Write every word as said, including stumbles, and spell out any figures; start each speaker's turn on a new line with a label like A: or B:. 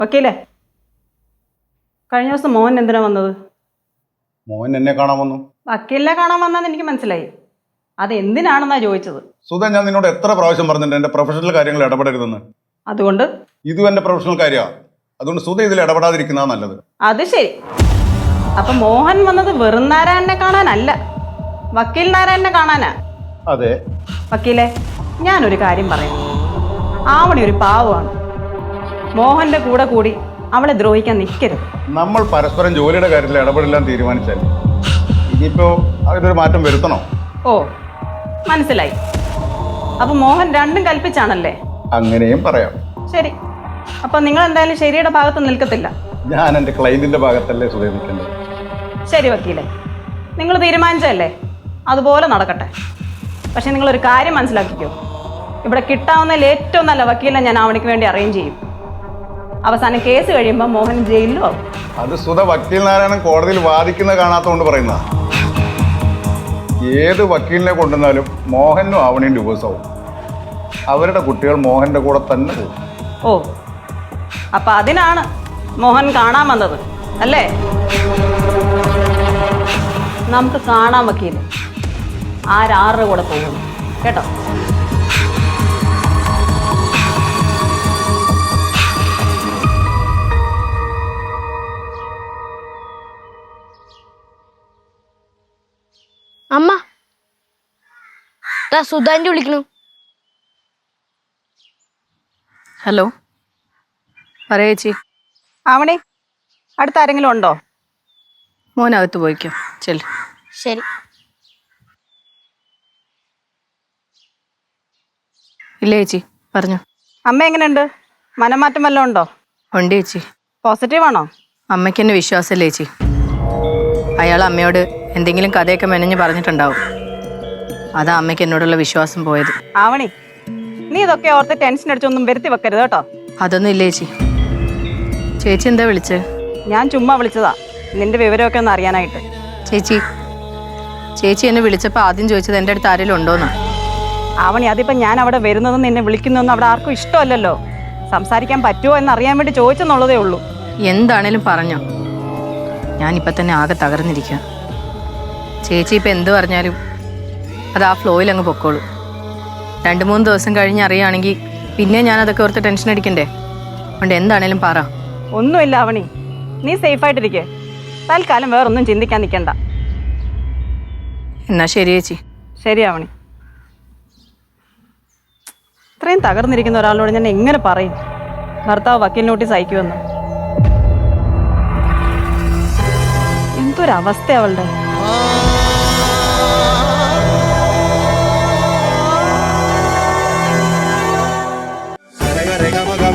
A: വക്കീലേ, കഴിഞ്ഞ ദിവസം മോഹൻ എന്തിനാ വന്നത്?
B: മോഹൻ എന്നെ കാണാൻ വന്നു.
A: വക്കീലിനെ കാണാൻ വന്നാന്ന് എനിക്ക് മനസ്സിലായി. അത് എന്തിനാണെന്നാ ചോദിച്ചത്.
B: സുധ, ഞാൻ നിന്നോട് എത്ര പ്രാവശ്യം പറഞ്ഞിട്ടുണ്ട് എന്റെ പ്രൊഫഷണൽ കാര്യങ്ങൾ ഇടപെടരുതെന്ന്.
A: അതുകൊണ്ട്
B: ഇതും എന്റെ പ്രൊഫഷണൽ കാര്യമാണ്. അതുകൊണ്ട് സുധ ഇതിൽ ഇടപെടാതിരിക്കുന്നതാ നല്ലത്.
A: അത് ശരി. അപ്പൊ മോഹൻ വന്നത് വെറും നാരായണനെ കാണാനല്ല, വക്കീൽ നാരായണനെ കാണാനാ.
B: അതെ.
A: വക്കീലെ, ഞാനൊരു കാര്യം പറയാം. ആവണി ഒരു പാവമാണ്. മോഹന്റെ കൂടെ കൂടി അവളെ ദ്രോഹിക്കാൻ നിൽക്കരുത്.
B: നമ്മൾ പരസ്പരം ജോലിയുടെ കാര്യത്തിൽ ഇടപെടില്ലാൻ തീരുമാനിച്ചാൽ ഇനിയിപ്പോ അതിനൊരു മാറ്റം വരുത്തണോ?
A: ഓ, മനസ്സിലായി. അപ്പൊ മോഹൻ രണ്ടും കൽപ്പിച്ചാണല്ലേ?
B: അങ്ങനെയും പറയാം.
A: ശരി, അപ്പൊ നിങ്ങൾ എന്തായാലും ശരിയുടെ ഭാഗത്ത് നിൽക്കത്തില്ല.
B: ഞാൻ എന്റെ ക്ലയന്റിന്റെ ഭാഗത്തല്ലേ സുധ നിൽക്കേണ്ടത്.
A: ശരി വക്കീലെ, നിങ്ങൾ തീരുമാനിച്ചല്ലേ, അതുപോലെ നടക്കട്ടെ. പക്ഷെ നിങ്ങളൊരു കാര്യം മനസ്സിലാക്കിക്കോ, ഇവിടെ കിട്ടാവുന്നതിൽ ഏറ്റവും നല്ല വക്കീലിനെ ഞാൻ ആവണിക്ക് വേണ്ടി അറേഞ്ച് ചെയ്യും. അവസാനം കേസ് കഴിയുമ്പോൾ മോഹൻ ജയിലിലോ ആവും.
B: അത് സുധ വക്കീൽ നാരായണൻ കോടതിയിൽ വാദിക്കുന്നത് കാണാത്തതുകൊണ്ട് പറയുന്ന. ഏത് വക്കീലിനെ കൊണ്ടുവന്നാലും മോഹനും ആവണിയും ഡിവോഴ്സാവും. അവരുടെ കുട്ടികൾ മോഹന്റെ കൂടെ തന്നെ പോകും.
A: ഓ, അപ്പൊ അതിനാണ് മോഹൻ കാണാൻ വന്നത് അല്ലേ? നമുക്ക് കാണാൻ വക്കീല് ആരാറുടെ കൂടെ പോകുന്നു കേട്ടോ.
C: അമ്മ സുധാന്റെ വിളിക്കണു.
D: ഹലോ, പറയാ ചേച്ചി.
A: ആവണി, അടുത്ത ആരെങ്കിലും ഉണ്ടോ?
D: മോനകത്ത് പോയിക്കോ, ചെല്.
C: ശരി.
D: ഇല്ല ചേച്ചി, പറഞ്ഞു.
A: അമ്മ എങ്ങനെയുണ്ട്? മനംമാറ്റം വല്ലതും ഉണ്ടോ?
D: ഉണ്ട് ചേച്ചി.
A: പോസിറ്റീവ് ആണോ?
D: അമ്മയ്ക്ക് എന്നെ വിശ്വാസമല്ലേ ചേച്ചി. അയാൾ അമ്മയോട് എന്തെങ്കിലും കഥയൊക്കെ മെനഞ്ഞ് പറഞ്ഞിട്ടുണ്ടാവും. അതാ അമ്മയ്ക്ക് എന്നോടുള്ള വിശ്വാസം പോയത്.
A: ആവണി, നീ ഇതൊക്കെ ഓർത്ത് ടെൻഷൻ അടിച്ചൊന്നും വരുത്തി വെക്കരുത് കേട്ടോ.
D: അതൊന്നും ഇല്ല ചേച്ചി. ചേച്ചി എന്താ വിളിച്ചത്?
A: ഞാൻ ചുമ്മാ വിളിച്ചതാ, നിന്റെ വിവരമൊക്കെ ഒന്ന് അറിയാനായിട്ട്.
D: ചേച്ചി ചേച്ചി എന്നെ വിളിച്ചപ്പോൾ ആദ്യം ചോദിച്ചത് എൻ്റെ അടുത്ത് ആരെങ്കിലും ഉണ്ടോന്നാ.
A: ആവണി, അതിപ്പം ഞാൻ അവിടെ വരുന്നതും നിന്നെ വിളിക്കുന്നതൊന്നും അവിടെ ആർക്കും ഇഷ്ടമല്ലല്ലോ. സംസാരിക്കാൻ പറ്റുമോ എന്ന് അറിയാൻ വേണ്ടി ചോദിച്ചെന്നുള്ളതേ ഉള്ളൂ.
D: എന്താണേലും പറഞ്ഞോ, ഞാനിപ്പോൾ തന്നെ ആകെ തകർന്നിരിക്കുക. ചേച്ചി ഇപ്പം എന്ത് പറഞ്ഞാലും അത് ആ ഫ്ലോയിൽ അങ്ങ് പൊക്കോളൂ. രണ്ട് മൂന്ന് ദിവസം കഴിഞ്ഞ് അറിയുകയാണെങ്കിൽ പിന്നെ ഞാനതൊക്കെ ഓർത്ത് ടെൻഷൻ അടിക്കണ്ടേ? അതുകൊണ്ട് എന്താണേലും പറ.
A: ഒന്നുമില്ല ആവണി, നീ സേഫായിട്ടിരിക്കേ. തൽക്കാലം വേറൊന്നും ചിന്തിക്കാൻ നിൽക്കണ്ട.
D: എന്നാ ശരി ചേച്ചി.
A: ശരി ആവണി. ഇത്രയും തകർന്നിരിക്കുന്ന ഒരാളോട് ഞാൻ എങ്ങനെ പറയും ഭർത്താവ് വക്കീൽ നോട്ടീസ് അയക്കുമെന്ന്? എന്തൊരവസ്ഥ അവളുടെ.
E: Rega, rega, maga,